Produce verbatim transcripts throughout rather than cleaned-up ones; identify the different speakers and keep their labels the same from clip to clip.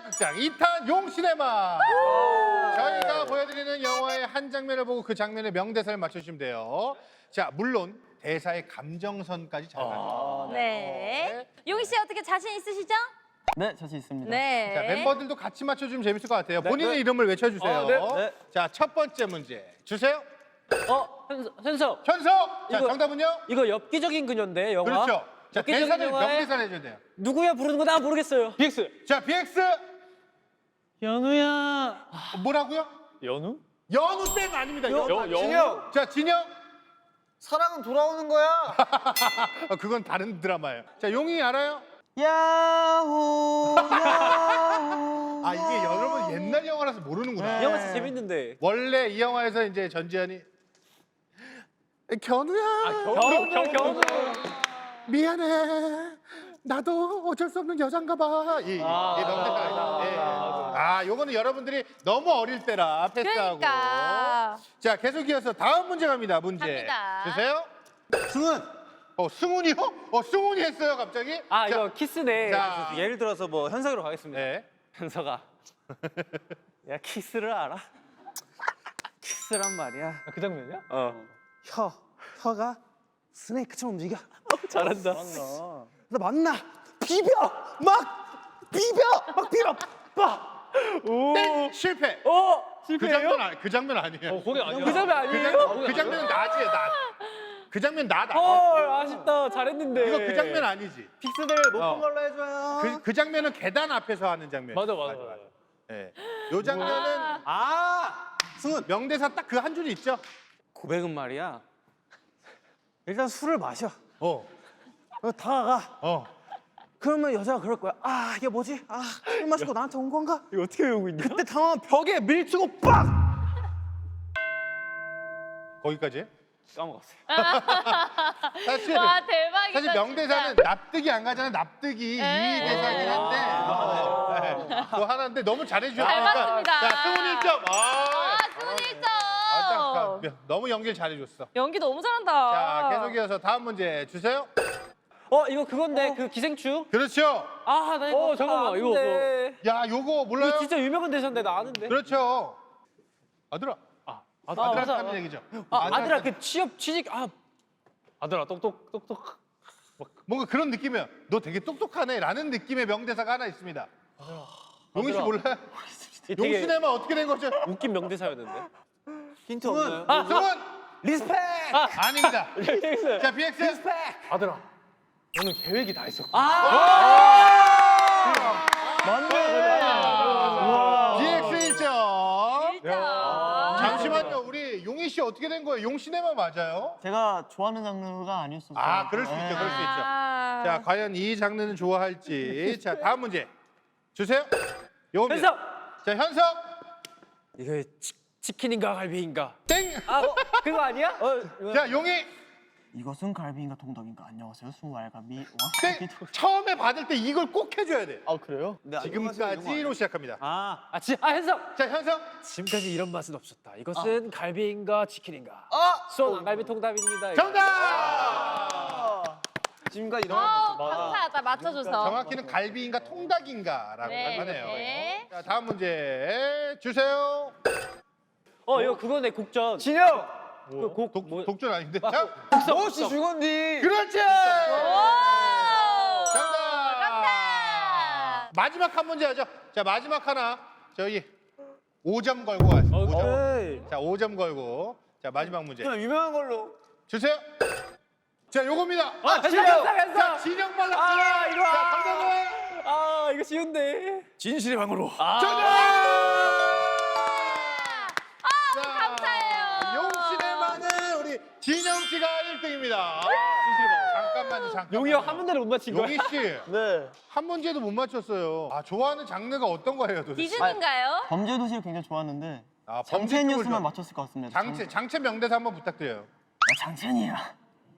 Speaker 1: 시각극장 이 탄 용시네마. 저희가 보여드리는 영화의 한 장면을 보고 그 장면의 명대사를 맞춰주시면 돼요. 자, 물론 대사의 감정선까지 잘 가요.
Speaker 2: 네. 네. 용희 씨 어떻게 자신 있으시죠?
Speaker 3: 네, 자신 있습니다.
Speaker 2: 네.
Speaker 1: 자, 멤버들도 같이 맞춰주면 재밌을 것 같아요. 본인의
Speaker 3: 네.
Speaker 1: 이름을 외쳐주세요.
Speaker 3: 아, 네, 네.
Speaker 1: 자, 첫 번째 문제 주세요.
Speaker 4: 어, 현석, 현석.
Speaker 1: 현석. 자,
Speaker 4: 이거-
Speaker 1: 정답은요?
Speaker 4: 이거 엽기적인 그녀인데 영화.
Speaker 1: 그렇죠. 자,
Speaker 4: 엽기적인
Speaker 1: 대사를
Speaker 4: 영화에
Speaker 1: 명대사를 해줘야 돼요.
Speaker 4: 누구야 부르는 거 나 모르겠어요. 비엑스.
Speaker 1: 자, 비엑스.
Speaker 4: 연우야.
Speaker 1: 어, 뭐라고요?
Speaker 4: 연우?
Speaker 1: 연우 땡 아닙니다. 연우.
Speaker 4: 여-
Speaker 1: 아니에요.
Speaker 4: 진영.
Speaker 1: 자, 진영.
Speaker 3: 사랑은 돌아오는 거야.
Speaker 1: 어, 그건 다른 드라마예요. 자, 용이 알아요?
Speaker 3: 야호, 야호.
Speaker 1: 아, 이게 여러분 옛날 영화라서 모르는구나.
Speaker 4: 이 영화 진짜 재밌는데.
Speaker 1: 원래 이 영화에서 이제 전지현이 견우야.
Speaker 4: 겨우 겨우 겨우.
Speaker 1: 미안해. 나도 어쩔 수 없는 여잔가 봐. 이,
Speaker 4: 아,
Speaker 1: 이 명대사. 예. 아, 요거는 여러분들이 너무 어릴 때라 패스하고.
Speaker 2: 그러니까.
Speaker 1: 자, 계속 이어서 다음 문제 갑니다. 문제.
Speaker 2: 갑니다.
Speaker 1: 주세요.
Speaker 3: 승은.
Speaker 1: 어, 승훈이요? 어, 승훈이 했어요, 갑자기?
Speaker 4: 아,
Speaker 1: 자,
Speaker 4: 이거 키스네.
Speaker 1: 자.
Speaker 4: 예를 들어서 뭐 현석으로 가겠습니다.
Speaker 1: 네.
Speaker 4: 현석아. 야, 키스를 알아? 키스란 말이야. 그 장면이야? 어.
Speaker 5: 혀, 혀가 스네이크처럼 움직여.
Speaker 4: 잘한다.
Speaker 5: 나 만나, 비벼, 막 비벼, 막 비벼, 빡.
Speaker 4: 오.
Speaker 1: 땡! 실패.
Speaker 4: 어,
Speaker 1: 그
Speaker 4: 실패예요?
Speaker 1: 장면, 아니, 그 장면 아니에요.
Speaker 4: 어, 거기 아니야. 그 장면
Speaker 1: 그,
Speaker 4: 아니에요?
Speaker 1: 장, 그 장면은 나지요, 나. 그 장면 나다.
Speaker 4: 헐, 아쉽다. 잘했는데.
Speaker 1: 이거 그 장면 아니지.
Speaker 3: 픽스들 못 본
Speaker 1: 어.
Speaker 3: 걸로 해줘요.
Speaker 1: 그, 그 장면은 계단 앞에서 하는 장면.
Speaker 4: 맞아, 맞아, 맞아.
Speaker 1: 예. 요 장면은
Speaker 3: 아,
Speaker 1: 승훈 명대사 딱 그 한 줄이 있죠.
Speaker 4: 고백은 말이야.
Speaker 5: 일단 술을 마셔.
Speaker 1: 어,
Speaker 5: 어, 다가가.
Speaker 1: 어.
Speaker 5: 그러면 여자가 그럴 거야. 아, 이게 뭐지? 아, 술 마시고 나한테 온 건가?
Speaker 4: 이거 어떻게 외우고 있냐?
Speaker 5: 그때 당황한 벽에 밀치고 빡!
Speaker 1: 거기까지.
Speaker 4: 까먹었어요.
Speaker 1: 사실
Speaker 2: 와 대박이다.
Speaker 1: 사실 명대사는
Speaker 2: 진짜.
Speaker 1: 납득이 안 가잖아. 납득이 이
Speaker 2: 네.
Speaker 1: 대사긴 한데 어, 네. 그거 하나인데 너무 잘해주셨으니까.
Speaker 2: 잘 봤습니다.
Speaker 1: 자, 승훈 일 점. 아,
Speaker 2: 아 승훈 일 점.
Speaker 1: 아, 딱, 딱, 너무 연기를 잘해줬어.
Speaker 2: 연기 너무 잘한다.
Speaker 1: 자, 계속 이어서 다음 문제 주세요.
Speaker 4: 어, 이거 그건데 그 기생충?
Speaker 1: 그렇죠.
Speaker 4: 아, 나 이거 어, 잠깐만. 이거 뭐.
Speaker 1: 야, 요거 몰라요?
Speaker 4: 이거 진짜 유명한 대사인데 나 아는데.
Speaker 1: 그렇죠. 아들아.
Speaker 4: 아,
Speaker 1: 아들한테
Speaker 4: 맞아.
Speaker 1: 하는 얘기죠.
Speaker 4: 아,
Speaker 1: 아들한테
Speaker 4: 아들아 그 취업 취직 아. 아들아 똑똑 똑똑.
Speaker 1: 뭔가 그런 느낌이에요. 너 되게 똑똑하네라는 느낌의 명대사가 하나 있습니다. 용희 씨
Speaker 4: 아들아.
Speaker 1: 몰라요?
Speaker 4: 이 되게
Speaker 1: 용시네마 어떻게 된 거죠?
Speaker 4: 웃긴 명대사였는데.
Speaker 5: 힌트 없나요?
Speaker 4: 아,
Speaker 1: 승훈
Speaker 5: 리스펙!
Speaker 1: 아닙니다.
Speaker 4: 빅스.
Speaker 1: 자, 비엑스.
Speaker 5: 리스펙!
Speaker 4: 아들아. 너는 계획이 다 있었고.
Speaker 1: 비엑스 일 점.
Speaker 2: 일 점.
Speaker 1: 잠시만요. 우리 용희 씨 어떻게 된 거예요? 용시네마 맞아요?
Speaker 3: 제가 좋아하는 장르가 아니었어요.
Speaker 1: 아, 그럴 수 있죠. 그럴 수 있죠.
Speaker 2: 아.
Speaker 1: 자, 과연 이 장르는 좋아할지. 자, 다음 문제 주세요. 요겁니다.
Speaker 4: 현석.
Speaker 1: 자, 현석.
Speaker 4: 이거 치, 치킨인가 갈비인가?
Speaker 1: 땡.
Speaker 4: 아, 어, 그거 아니야? 어, 이거.
Speaker 1: 자, 용희.
Speaker 3: 이것은 갈비인가 통닭인가? 안녕하세요, 수알갈비.
Speaker 1: 땡.
Speaker 3: 왕갈비.
Speaker 1: 처음에 받을 때 이걸 꼭 해줘야 돼.
Speaker 3: 아, 그래요? 네,
Speaker 1: 지금까지로 시작합니다.
Speaker 4: 아, 아, 지, 아 현석.
Speaker 1: 자, 현석.
Speaker 4: 지금까지 이런 맛은 없었다. 이것은 갈비인가 치킨인가?
Speaker 3: 아!
Speaker 4: 수원 안갈비 통닭입니다. 이거.
Speaker 1: 정답.
Speaker 3: 지금까지 이런
Speaker 2: 어,
Speaker 3: 거
Speaker 2: 감사하다 맞춰줘서.
Speaker 1: 정확히는 갈비인가 통닭인가라고
Speaker 2: 네,
Speaker 1: 하네요.
Speaker 2: 네.
Speaker 1: 자, 다음 문제 주세요.
Speaker 4: 어, 이거 그거네 곡전.
Speaker 5: 진영!
Speaker 4: 그 곡,
Speaker 1: 독,
Speaker 4: 뭐,
Speaker 1: 독전 아닌데? 자,
Speaker 5: 무엇이 죽었니?
Speaker 1: 그렇지.
Speaker 2: 오.
Speaker 1: 정답.
Speaker 2: 정답.
Speaker 1: 마지막 한 문제 하죠. 자, 마지막 하나 저희 오 점 걸고 가세요.
Speaker 4: 어,
Speaker 1: 오 점.
Speaker 5: 에이.
Speaker 1: 자, 오 점 걸고. 자, 마지막 문제
Speaker 5: 그냥 유명한 걸로.
Speaker 1: 주세요. 자, 요겁니다.
Speaker 4: 아, 현석, 현석, 현석.
Speaker 1: 자, 진영 발랐.
Speaker 4: 아, 이거.
Speaker 1: 자, 정답은
Speaker 4: 아, 이거 쉬운데.
Speaker 5: 진실의 방으로.
Speaker 4: 아.
Speaker 1: 자,
Speaker 2: 감사해요.
Speaker 1: 용신의만은 우리 진영 씨가 일 등입니다. 잠깐만요, 잠깐만.
Speaker 4: 용이 형 한 문제를 못 맞힌 거야?
Speaker 1: 용희 씨,
Speaker 3: 네.
Speaker 1: 한 문제도 못 맞췄어요. 아, 좋아하는 장르가 어떤 거예요, 도대체?
Speaker 2: 디즈니인가요?
Speaker 3: 범죄 도시를 굉장히 좋아하는데
Speaker 1: 아, 범죄
Speaker 3: 장첸
Speaker 1: 쪽을
Speaker 3: 뉴스만
Speaker 1: 좋아-
Speaker 3: 맞췄을 것 같습니다.
Speaker 1: 장체, 장체 명대사 한번 부탁드려요.
Speaker 3: 장... 아, 장첸이야.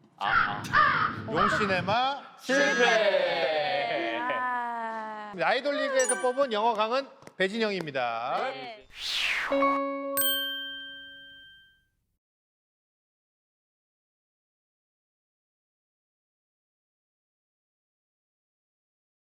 Speaker 1: 용시네마
Speaker 4: 실패.
Speaker 2: 아.
Speaker 1: 아이돌 리그에서 뽑은 영어 강은 배진영입니다.
Speaker 2: 네.